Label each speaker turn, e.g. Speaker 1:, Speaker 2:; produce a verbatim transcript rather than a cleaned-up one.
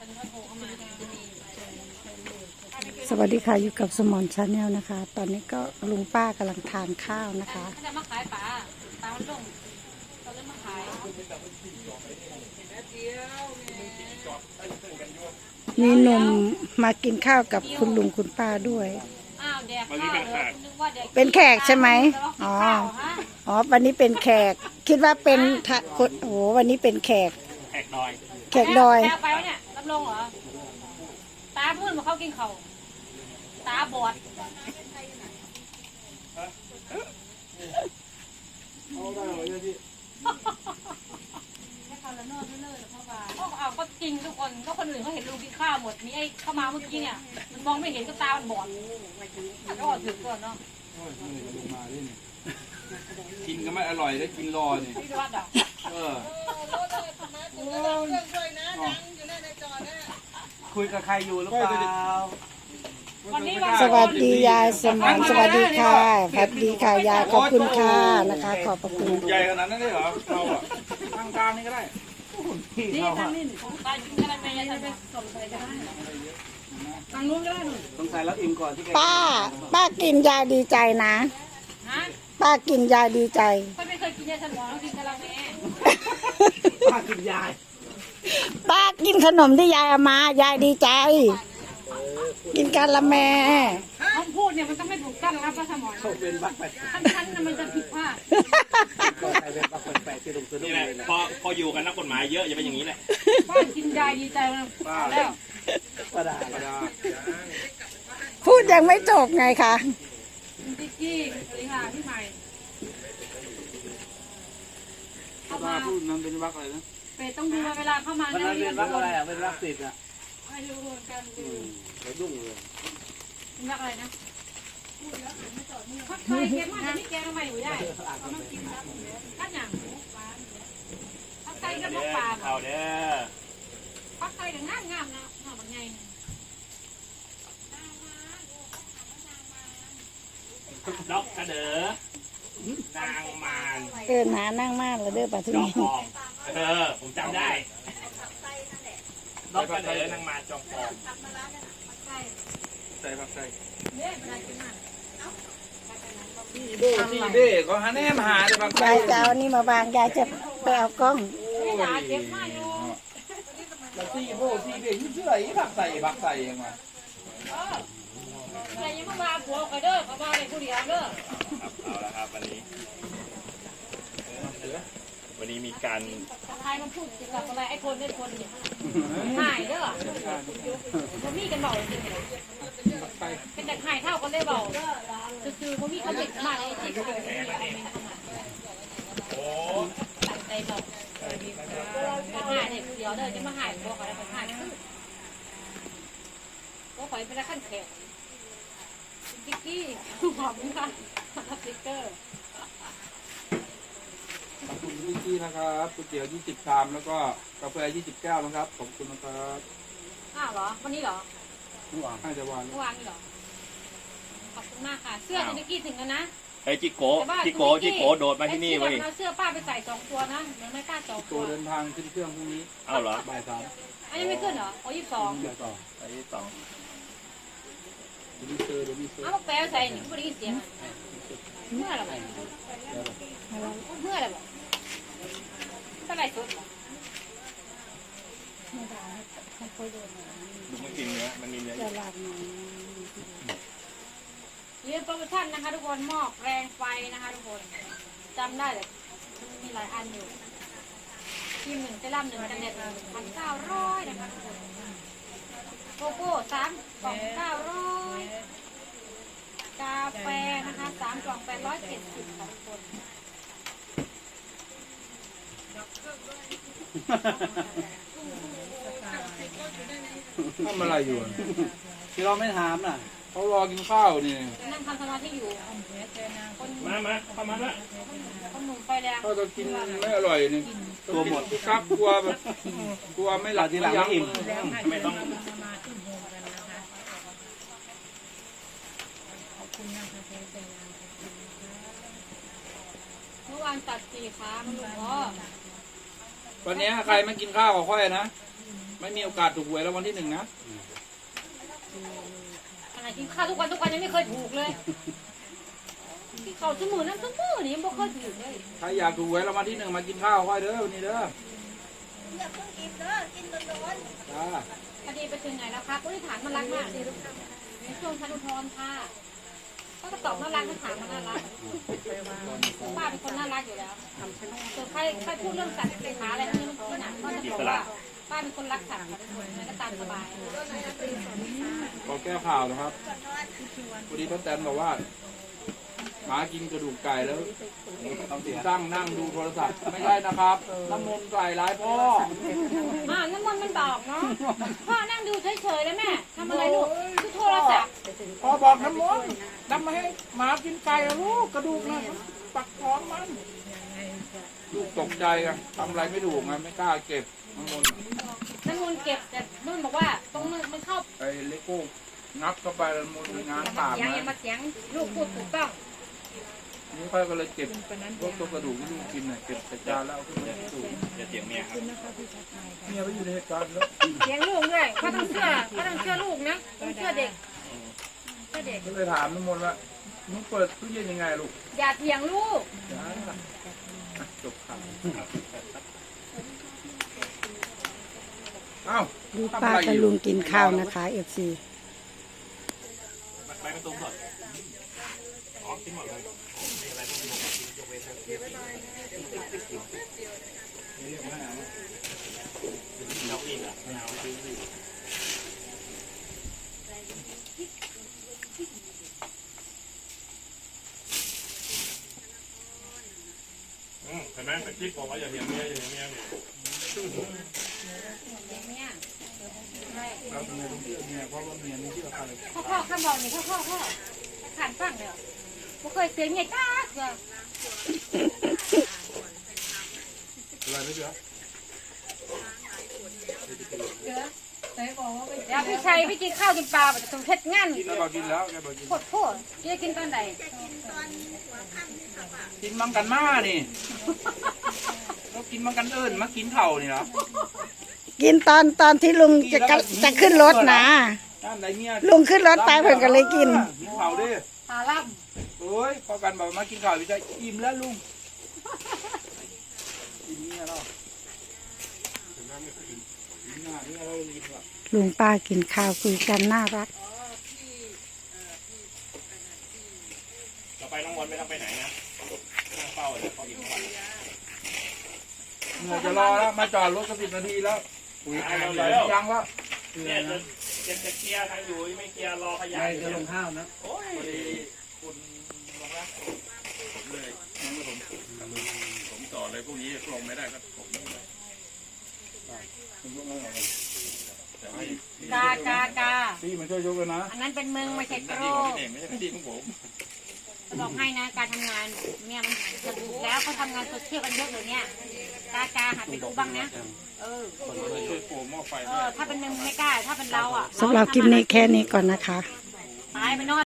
Speaker 1: สวัสดีค่ะอยู่กับสมอนชาแนลนะคะตอนนี้ก็ลุงป้ากำลังทานข้าวนะคะ
Speaker 2: จะมาขายปลาปลามันลงเราเลยมาขาย
Speaker 1: มีหนุ่มมากินข้าวกับคุณลุงคุณป้าด้วย
Speaker 2: อ้าวแดกข้าวเลยนึกว่าแดก
Speaker 1: เป็นแขกใช่ไหมอ๋ออ๋อวันนี้เป็นแขกคิดว่าเป็นทะคนโอ้วันนี้เป็นแขก
Speaker 3: แขกดอย
Speaker 1: แขกดอย
Speaker 2: แไปวะเนี่ยรับรองเหรอตาพื้นมาเขากินเขาตาบอดเอาก็จริงทุกคนก็คนอื่นเขาเห็นลุงกินข้าวหมดมีไอ้เข้ามาเมื่อกี้เนี่ยมันมองไม่เห็นก็ตามันบอดก็อดถึงก่อนเนาะ
Speaker 4: กินก็ไม่อร่อยได้กินรอนี่
Speaker 2: ที่วัดอ่ะ
Speaker 4: เออคุยกับใครอยู่หรือเปล่า
Speaker 1: สวัสดียายสมอนสวัสดีค่ะสวัสดีค่ะยายขอบคุณค่ะนะคะขอบพระคุณ
Speaker 4: ใหญ่ขนาดนั้นเลยเหรอเราอ่ะทางกลางนี่ก็ได้
Speaker 2: นี่ทางนี้ของตากินกันไปยังจะไปส่งไปได้ทางนู้นก็ได้หนู
Speaker 4: ต้องใส่แล้วอิ่มก่อนที่
Speaker 1: ป้าป้ากินยาดีใจนะป้ากินยาดีใจ
Speaker 2: ไม่เคยกินยาสมองกินกะละแม่
Speaker 4: ป้ากินยา
Speaker 1: ป้ากินขนมที่ยายเอามายายดีใจกินกะละแม่
Speaker 2: คำพูดเนี่ยมันต้องไม่ถูกต้องรับพระสมอง
Speaker 4: เขาเป็นบักแปด
Speaker 2: ชั้นๆมันจะผิดพลาด
Speaker 3: นี่แหละพอพออยู่กันนักกฎหมายเยอะอย่าเป็นอย่างนี้แหละ
Speaker 2: ป้ากินยาดีใจมาแล้ว
Speaker 4: ป้าดาป้าดา
Speaker 1: พูดยังไม่จบไงคะ
Speaker 2: ติ๊กกี้สวัสดีค่ะพี่ใหม่
Speaker 4: เข้ามาพูดมันเป็นบักอะไรนะ
Speaker 2: เป็ดต้องดูเวลาเข้ามา
Speaker 4: มันเป็นบักอะไรอ่ะเป็นบักติดอ่ะ
Speaker 2: ไม่รู้เหมือนกันดู
Speaker 4: ไปดุ้งเลย
Speaker 2: เป็นบักอะไรนะพักไทยเก็บมาที่แกงใหม่อยู่ได้เขาต้องกินครับนั่นอย่างพักไทยกับมะปราง
Speaker 3: เอาเด้อ
Speaker 2: พักไทยกับงามงามนะงามมันไง
Speaker 3: ดอกกระเดอนางมาร
Speaker 1: เออหนานั่งมากเลยเด้อป้าทุ
Speaker 3: กทองเออผมจำได้ดอกกระเดอนางมารจองทอง
Speaker 4: ใส่ผักใส่
Speaker 2: เนี่ยเป็นอะไรกินอ่ะ
Speaker 4: ที่เบ้ที่เบ้ก็หาแน่มาหาแต่บาง
Speaker 1: ยายจะเอานี่มาบางยายจะไปเอากล้อง
Speaker 2: ไม่ด่าเจ็บมากอยู่
Speaker 4: แล้วที่โบ้ที่เบ้ยุ่งเชื่ออีผักใส่ผักใส่ยังไง
Speaker 2: อะไรยังมาผัวกันเด้อเขาบ้าเลยผู้เดียวเด้อ
Speaker 3: เอาละครับวันนี้วันนี้มีการ
Speaker 2: ใครมันพูดกับอะไรไอ้คนไอ้คนเนี่ยหายเด้อมันมีกันเบาจริงเลยเป็นแต่หายเท่ากันได้เบาคือๆเขามีเขาเด็กมากเลยที่เขาโอ้ใจเบาหายเนี่ยเดี๋ยวเด้อจะมาหายพวกอะไรไปหายก็ขอเป็นขั้นแขกติ๊กกี้หอมค่ะสติ๊กเกอร์
Speaker 4: ขอบคุณพี่กี้นะครับก๋วยเตี๋ยวยี่สิบชามแล้วก็กาแฟยี่สิบแก้วนะครับขอบคุณนะครับ
Speaker 2: อ้าวเหรอวันนี้เหรอ
Speaker 4: เมื่อวานให้จะวาน
Speaker 2: เมื่อวานนี่เหรอขอบคุณมากค่ะเสื้อติ๊กกี้ถึงแล้วนะ
Speaker 3: ไอ้จิโก้จิโก้จิโก้โดดมาที่นี่เว้ย
Speaker 2: เสื้อป้าไปใส่สองตัวนะเดี๋ยวไม่กล้าสองตัว
Speaker 4: เดินทางขึ้นเครื่องพรุ่งนี้
Speaker 3: อ้าวเหรอ
Speaker 4: บ่ายสาม
Speaker 2: อันนี้ไม่ขึ้นเหรอโอ้ยี่สิบสอง
Speaker 4: เดี๋ยวต่อ
Speaker 3: ไอ้สอง
Speaker 4: เดี๋ยวมีเซอร์เดี๋ยวมีเซอร์
Speaker 2: อ้าวแปลใส่หนิไม่ได้ยินเสียงเมื่อไรเมื่อไรบ่เท่าไรสุด
Speaker 3: ดูมันกินเนื้อมันมีเนื้อ
Speaker 2: ยืนโปรโมชั่นนะคะทุกคนหม้อแรงไฟนะคะทุกคนจำได้เลยมีหลายอันอยู่ทีมหนึ่งเซรั่มหนึ่งกันแดดหนึ่งพันเก้าร้อยนะคะทุกคนโกโก้สามกล่องเก้าร้อยกาแฟนะคะสามกล่องแปดร้อยเจ็ดสิบค่ะทุกคน
Speaker 4: ทำอะไรอยู่ที่เราไม่ถามน่ะเขารอกินข้าวนี่
Speaker 2: นั่งทำสมาธิอยู่
Speaker 3: มามาเข้ามาละ
Speaker 2: คนหนุ่มไฟแดง
Speaker 4: เขาจะกินไม่อร่อยนี่ตัวหมดครับกลัวแบบกลัวไม่หลับ
Speaker 3: ที่หลังไม่อิ่มไม่ต้อง
Speaker 2: เมื่อวานตัดสี่ขามันหลุดอ๋อ
Speaker 4: วันนี้ใครไม่กินข้าวกับค่อยนะไม่มีโอกาสถูกหวยแล้ววันที่หนึ่งนะ
Speaker 2: อะไรกินข้าวทุกวันทุกวันยังไม่เคยถูกเลยกินข้าวชั่วโมงนั้นชั่วโมงนี้ยังไม่เคยถูกเลย
Speaker 4: ใครอยากถูกหวยแล้ววันที่หนึ่งมากินข้าวค่อยเด้อวันนี้เด้อ
Speaker 5: อย่าเพิ่งกินเด้อกินโดน
Speaker 4: จ้า
Speaker 2: พอดีไปถึงไหนแล้วคะผู้ที่ถามมันรักมากในช่วงชั้นอุทธรณ์ค่ะก็ตอบน่ารักถ้าถามมันน่ารักป้าเป็นคนน่ารักอยู่แล้วส่วนใครใครพูดเรื่องสัตว์เป็นหาอะไรที่หนักก็จะบอกว่าป้าเป็นคนรักสัตว์ค่ะทุกคนมันก็ตามสบาย
Speaker 4: ขอแก้ข่าวนะครับพอดีป้าแตนบอกว่าหมากินกระดูกไก่แล้วตั้งนั่งดูโทรศัพท์ไม่ใช่นะครับน้ำมนต์ไก่ร้ายพ่อ
Speaker 2: อ่าน้ำมันมันบอกเนาะพ่อนั่งดูเฉยๆแล้วแม่ทำอะไรลูกดูโทรศัพท์
Speaker 4: พ่อบอกน้ำมนต์ทำมาให้หมากินไก่แล้วลูกกระดูกนะปักท้องมันลูกตกใจกันทำอะไรไม่ถูกไงไม่กล้าเก็บน้ำมนต์
Speaker 2: น้ำมันเก็บแต่นุ่นบอกว่าตรงนึงมันเข้า
Speaker 4: ไอ้เลโก้งับเข้าไปแล้วมันงาน
Speaker 2: มา
Speaker 4: ปาก
Speaker 2: เสียง
Speaker 4: นะ
Speaker 2: อย่ามาเสียงลูกพูดถูกต้อง
Speaker 4: นี่ค่อยก็เลยเก็บพวกตัวกระดูกที่ลูกกินน่ะเก็บใส่จานแล้วเอาขึ้นมาสูง
Speaker 3: อย่าเสียงเมียครับ
Speaker 4: เมียไปอยู่ในเหตุการณ์แล้ว
Speaker 2: เสียงลูกด้วยเขาต้องเชื่อเขาต้องเชื่อลูกนะต้องเชื่อเด็กเชื่อเด็ก
Speaker 4: ก็เลยถามน้ำมนต์ว่ามึงเปิดตู้เย็นยังไงลูก
Speaker 2: อย่าเถียงลูก
Speaker 4: จ้าจบข่าวเอ้า
Speaker 1: ดูป้ากับลุงกินข้าวนะคะเอฟซี
Speaker 3: ใบมะตูมสดอ๋อกินหมดเลยมีอะไรต้องกินยกเว้นเราอีกอ่ะไม่เอาอืมเห็นไหมตะกี้บอกว่าอย่าเถียงเมียอย่าเถียงเมียเนี่ย
Speaker 2: เนี่ย
Speaker 4: เราเมียต้องเชื่อเมียเพราะว่าเมียไม่เชื่อใคร
Speaker 2: พ่อพ่อข้าบอกนี่พ่อพ่อพ่อขานฟังเลยไม่เคยเสียงเงี้ยจ้าเดี๋ยว
Speaker 4: อะไรไม่เชื่อ
Speaker 2: เดี๋ยวพี่ชัยพี่กินข้าวกินปลาแบบสมเพชรงาน
Speaker 4: กินแล้วบอกกินแล้วแกบอกกิน
Speaker 2: โคตรโคตรจะกินตอนไหน
Speaker 4: กินมังกันมานี่เรากินมังกันเอิญมากินเข่านี่เหรอ
Speaker 1: กินตอนตอนที่ลุงจะกะจะขึ้นรถนะ
Speaker 4: ด้านไหนเนี่ย
Speaker 1: ลุงขึ้นรถไปเพิ่นก็เลยกิน
Speaker 4: กินเข่าดิ
Speaker 2: หาล่
Speaker 4: โอ้ยพอกันบอกมากินข้าวพี่ใจอิ่มแล้วลุงอิ่มเนี่ยเนาะอิ่มหน้าเนี่ยเราอิ่มละ
Speaker 1: ลุงป้ากินข้าวคุยกันน่ารัก
Speaker 3: เราไปน้องวันไม่ต้องไปไหนนะนั่งเฝ้าเลยพออีกวัน
Speaker 4: เหนื่อยจะรอแล้วมาจอดรถก็สิบนาทีแล้วอุ้ยยังแล้ว
Speaker 3: เนี่ยจะจะจะเคลียร์ทางอยู่ไม่เคลียร์รอขยะ
Speaker 4: ใครจะลงห้าวนะ
Speaker 3: โอ้ยพอดีคุณลงนะผมเลยผมต่อเลยพวกนี้ลงไม่ได้ก็ผมแต่ไม่
Speaker 2: ำกากากา
Speaker 4: พี่มาช่วยยกเลยนะ
Speaker 2: อันนั้นเป็นมึงไม่ใช่โกร
Speaker 3: ดีของพี่เองไม่ใช่ดีของผม
Speaker 2: จะบอกให้นะการทำงานเนี่ยมันจะดูแล้วเขาทำงานโซเชียลกันเยอะเลยเนี่ยกากาหัดไปดูบ้างนะเออ
Speaker 3: ช่วยโปรหม้อไฟ
Speaker 2: เอ
Speaker 3: ด้วย
Speaker 2: อถ้าเป็นมึงไม่กล้าถ้าเป็นเราอ่ะ
Speaker 1: สำหรับคลิปนี้แค่นี้ก่อนนะคะ
Speaker 2: ตายไปนอน